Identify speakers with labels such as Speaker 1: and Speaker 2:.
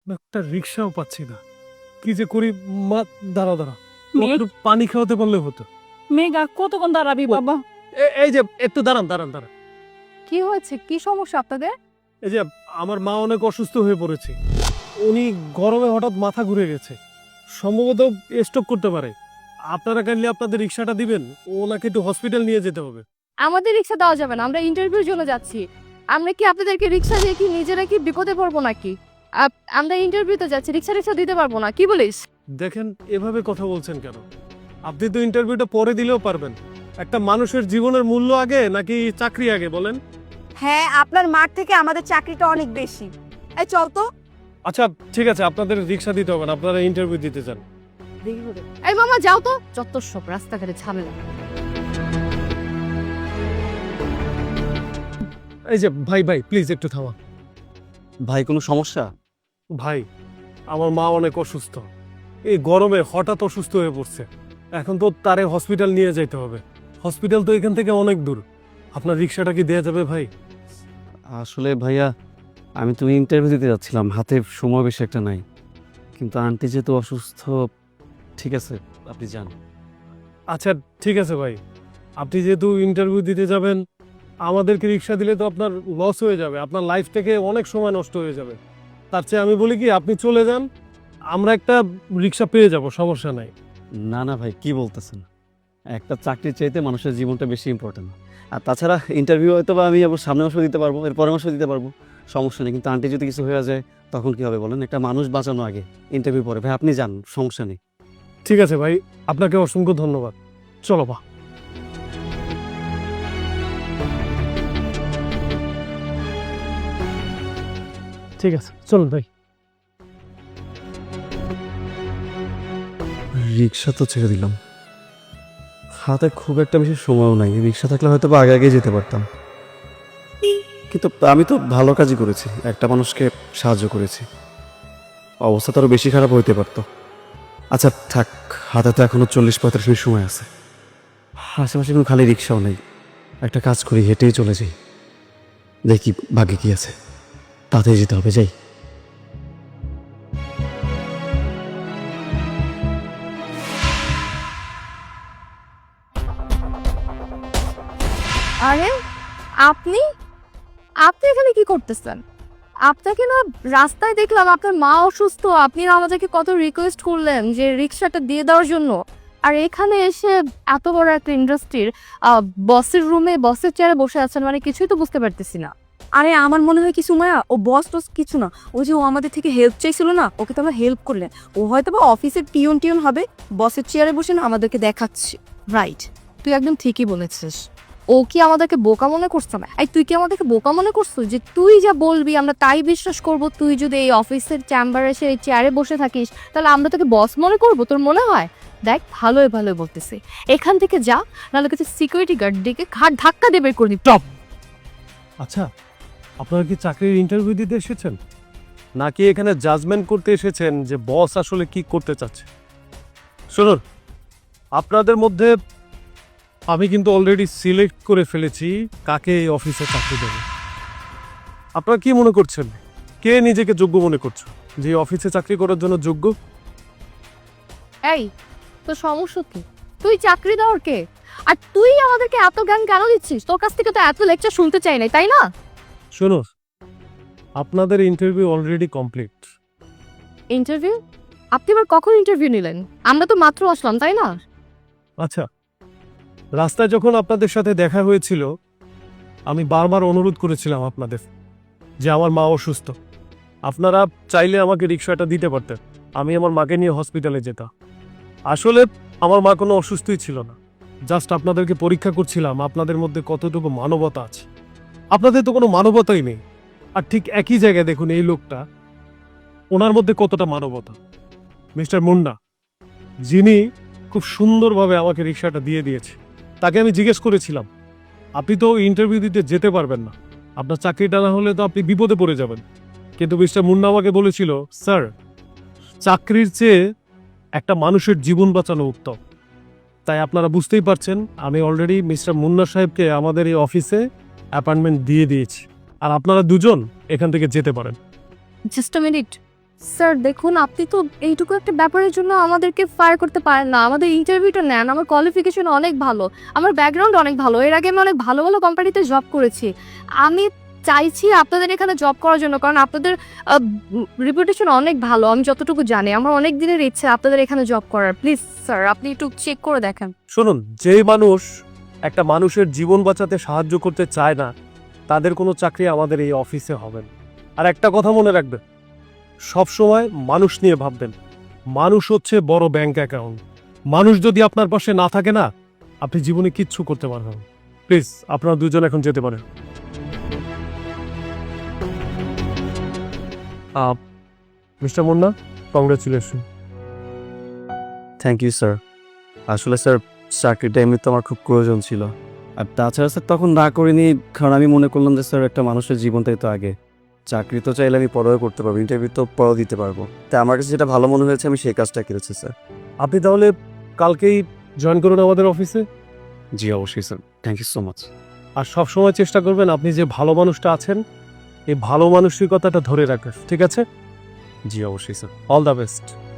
Speaker 1: একটা রিক্সাও পাচ্ছি না, কি যে করি। মা, দাঁড়াও দাঁড়াও,
Speaker 2: মেঘ,
Speaker 1: একটু পানি খাওয়াতে পারলে হতো।
Speaker 2: মেঘা কতক্ষণ দাঁড়াবি বাবা?
Speaker 1: এই যে একটু দাঁড়ান দাঁড়ান দাঁড়ান।
Speaker 2: কি হয়েছে? কি সমস্যা আপনাদের?
Speaker 1: এই যে আমার মা অনেক অসুস্থ হয়ে পড়েছে। উনি গরমে হঠাৎ মাথা ঘুরে গেছে, সম্ভবত স্ট্রোক করতে পারে। আপনারা কাইন্ডলি আপনাদের রিক্সাটা দিবেন, ওনাকে একটু হসপিটাল নিয়ে যেতে হবে।
Speaker 2: আমাদের রিক্সা দেওয়া যাবে না, আমরা ইন্টারভিউর জন্য যাচ্ছি। আমরা কি আপনাদেরকে রিক্সা দিয়ে কি নিজেরা কি বিপদে পড়বো নাকি? আমরা ইন্টারভিউতে যাচ্ছি, রিক্সা দিতে পারবো না, কি বলিস?
Speaker 1: দেখেন, এভাবে কথা বলছেন কেন? আপনি তো ইন্টারভিউটা পরে দিলেও পারবেন। একটা মানুষের জীবনের মূল্য আগে নাকি চাকরি আগে বলেন?
Speaker 3: হ্যাঁ, আপনার মাঠ থেকে আমাদের চাকরিটা অনেক বেশি। এই চল তো।
Speaker 1: আচ্ছা ঠিক আছে, আপনাদের রিক্সা দিতে হবে না, আপনারা ইন্টারভিউ দিতে চান।
Speaker 2: এই মামা যাও তো, যত সব রাস্তাঘাটে ঝামেলা।
Speaker 1: এই যে ভাই ভাই প্লিজ একটু থামা।
Speaker 4: ভাই কোনো সমস্যা?
Speaker 1: ভাই, আমার মা অনেক অসুস্থ, এই গরমে হঠাৎ অসুস্থ হয়ে পড়ছে। এখন তো তারে হসপিটাল নিয়ে যাইতে হবে। হসপিটাল তো এখান থেকে অনেক দূর। আপনার রিক্সাটা কি দেয়া যাবে ভাই?
Speaker 4: আসলে ভাইয়া, আমি তো ইন্টারভিউ দিতে যাচ্ছিলাম, হাতে সময় বেশি একটা নাই। কিন্তু আন্টি যেহেতু অসুস্থ, ঠিক আছে আপনি যান।
Speaker 1: আচ্ছা ঠিক আছে ভাই, আপনি যেহেতু ইন্টারভিউ দিতে যাবেন, আমাদেরকে রিক্সা দিলে তো আপনার লস হয়ে যাবে, আপনার লাইফ থেকে অনেক সময় নষ্ট হয়ে যাবে। তার চেয়ে আমি বলি কি, আপনি চলে যান, আমরা একটা রিক্সা পেয়ে যাব, সমস্যা নাই।
Speaker 4: না না ভাই, কি বলতেছেন? একটা চাকরির চাইতে মানুষের জীবনটা বেশি ইম্পর্টেন্ট। আর তাছাড়া ইন্টারভিউ হয়তো বা আমি আবার সামনের মাসে দিতে পারবো, এর পরের মাসে দিতে পারবো, সমস্যা নেই। কিন্তু আন্টি যদি কিছু হয়ে যায় তখন কি হবে বলেন? একটা মানুষ বাঁচানো আগে, ইন্টারভিউ পরে। ভাই আপনি যান, সমস্যা নেই।
Speaker 1: ঠিক আছে ভাই, আপনাকে অসংখ্য ধন্যবাদ। চলো বা। ঠিক আছে চলুন ভাই।
Speaker 4: রিক্সা তো ছেড়ে দিলাম, হাতে খুব একটা বেশি সময়ও নাই। রিক্সা থাকলে হয়তো বা আগে আগে যেতে পারতাম। কিন্তু আমি তো ভালো কাজই করেছি, একটা মানুষকে সাহায্য করেছি। অবস্থা তো আরও বেশি খারাপ হইতে পারতো। আচ্ছা থাক, হাতে তো এখনো 40-45 মিনিট সময় আছে। আশেপাশে কোনো খালি রিক্সাও নেই, একটা কাজ করি, হেঁটেই চলে যাই, দেখি ভাগ্যে কি আছে। তাড়াতাড়ি যেতে হবে, যাই।
Speaker 2: আরে আপনি আপনি এখানে কি করতেছেন? আপনাকে না রাস্তায় দেখলাম, আপনার মা অসুস্থ, আপনি না আমাদেরকে কত রিকোয়েস্ট করলেন যে রিক্সাটা দিয়ে দেওয়ার জন্য। আর এখানে এসে এত বড় একটা ইন্ডাস্ট্রির বসের রুমে বসের চেয়ারে বসে আছেন, মানে কিছুই তো বুঝতে পারতেছি না।
Speaker 3: আরে আমার মনে হয় কি সুমাইয়া, ও বস টস কিছু না। ওই যে ও আমাদের থেকে হেল্প চাইছিল না, ওকে তো আমরা হেল্প করলেন। ও হয়তো বা অফিসের টিউন হবে, বসের চেয়ারে বসে না আমাদেরকে দেখাচ্ছে।
Speaker 2: রাইট, তুই একদম ঠিকই বলেছিস। ও কি আমাদেরকে বোকা মনে করছে না? এই তুই কি আমাদেরকে বোকা মনে করছো যে তুই যা বলবি আমরা তাই বিশ্বাস করব? তুই যদি এই অফিসের চেম্বারে এসে এই চেয়ারে বসে থাকিস, তাহলে আমরা তোকে বস মনে করব? তোর মনে হয়? দেখ, ভালোই ভালোই বলতেছি, এখান থেকে যা, নাহলে কাছে সিকিউরিটি গার্ড ডেকে ঘাট ধাক্কা দিয়ে বের করে দিবি।
Speaker 1: স্টপ। আচ্ছা, আপনারা কি চাকরির ইন্টারভিউ দিতে এসেছেন, নাকি এখানে জাজমেন্ট করতে এসেছেন যে বস আসলে কি করতে চাচ্ছে? শুনুন, আপনাদের মধ্যে আমি কিন্তু অলরেডি সিলেক্ট করে ফেলেছি কাকে এই অফিসে চাকরি দেবে। আপনারা কি মনে করছেন, কে নিজেকে যোগ্য মনে করছো যে এই অফিসে চাকরি করার জন্য যোগ্য?
Speaker 2: এই, তোর সমস্যা কি? তুই চাকরি দেওয়ার কে? আর তুই আমাদেরকে এত জ্ঞান কেন দিচ্ছিস? তোর কাছ থেকে তো এত লেকচার শুনতে চাই নাই, তাই না?
Speaker 1: শুনুন, আপনাদের ইন্টারভিউ অলরেডি কমপ্লিট।
Speaker 2: ইন্টারভিউ? আপনি আবার কখন ইন্টারভিউ নিলেন? আমরা তো মাত্র আসলাম, তাই না?
Speaker 1: আচ্ছা, রাস্তায় যখন আপনাদের সাথে দেখা হয়েছিল, আমি বারবার অনুরোধ করেছিলাম আপনাদের যে আমার মা অসুস্থ, আপনারা চাইলে আমাকে রিক্সাটা দিতে পারতেন, আমি আমার মাকে নিয়ে হসপিটালে যেতাম। আসলে আমার মা কোনো অসুস্থই ছিল না, জাস্ট আপনাদেরকে পরীক্ষা করছিলাম আপনাদের মধ্যে কতটুকু মানবতা আছে। আপনাদের তো কোনো মানবতাই নেই। আর ঠিক একই জায়গায় দেখুন এই লোকটা, ওনার মধ্যে কতটা মানবতা। মিস্টার মুন্না, যিনি খুব সুন্দরভাবে আমাকে রিক্সাটা দিয়ে দিয়েছে, তাকে আমি জিজ্ঞেস করেছিলাম আপনি তো ইন্টারভিউ দিতে যেতে পারবেন না, আপনার চাকরিটা না হলে তো আপনি বিপদে পড়ে যাবেন। কিন্তু মিস্টার মুন্না আমাকে বলেছিল, স্যার, চাকরির চেয়ে একটা মানুষের জীবন বাঁচানো উত্তম। তাই আপনারা বুঝতেই পারছেন, আমি অলরেডি মিস্টার মুন্না সাহেবকে আমাদের এই অফিসে অ্যাপয়েন্টমেন্ট দিয়ে দিয়েছি, আর আপনারা দুজন এখান থেকে যেতে পারেন।
Speaker 2: জাস্ট আ মিনিট স্যার দেখুন, আপনি তো এইটুকু একটা ব্যাপারের জন্য আমাদেরকে ফায়ার করতে পারেন না। আমাদের ইন্টারভিউটা নেন, আমার কোয়ালিফিকেশন অনেক ভালো, আমার ব্যাকগ্রাউন্ড অনেক ভালো, এর আগে আমি অনেক ভালো ভালো কোম্পানিতে জব করেছি। আমি চাইছি আপনাদের এখানে জব করার জন্য, কারণ আপনাদের রিপুটেশন অনেক ভালো। আমি যতটুকু জানি, আমার অনেক দিনের ইচ্ছে আপনাদের এখানে জব করার। প্লিজ স্যার, আপনি একটু চেক করে দেখেন।
Speaker 1: শুনুন, যেই মানুষ একটা মানুষের জীবন বাঁচাতে সাহায্য করতে চায় না, তাদের কোনো চাকরি আমাদের এই অফিসে হবে না। আর একটা কথা মনে রাখবেন, সবসময় মানুষ নিয়ে ভাববেন। মানুষ হচ্ছে বড় ব্যাংক অ্যাকাউন্ট। মানুষ যদি আপনার পাশে না থাকে না, আপনি জীবনে কিচ্ছু করতে পারবেন না। প্লিজ, আপনারা দুজন এখন যেতে পারেন। Mister Munna, congratulation.
Speaker 4: Thank you sir. আসলে স্যার চাকরিটা এমনিতে আমার খুব প্রয়োজন ছিল। আর তাছাড়া স্যার তখন না করিনি, কারণ আমি মনে করলাম যে স্যার একটা মানুষের জীবনটাই তো আগে। চাকরি তো চাইলে আমি পরেও করতে পারবো, ইন্টারভিউ তো পরেও দিতে পারবো। তাই আমার কাছে যেটা ভালো মনে হয়েছে আমি সেই কাজটা করেছি স্যার।
Speaker 1: আপনি তাহলে কালকেই জয়েন করুন আমাদের অফিসে।
Speaker 4: জি অবশ্যই sir, thank you so much.
Speaker 1: আর সবসময় চেষ্টা করবেন আপনি যে ভালো মানুষটা আছেন, এই ভালো মানসিকতাটা ধরে রাখবেন, ঠিক আছে?
Speaker 4: জি অবশ্যই স্যার।
Speaker 1: All the best.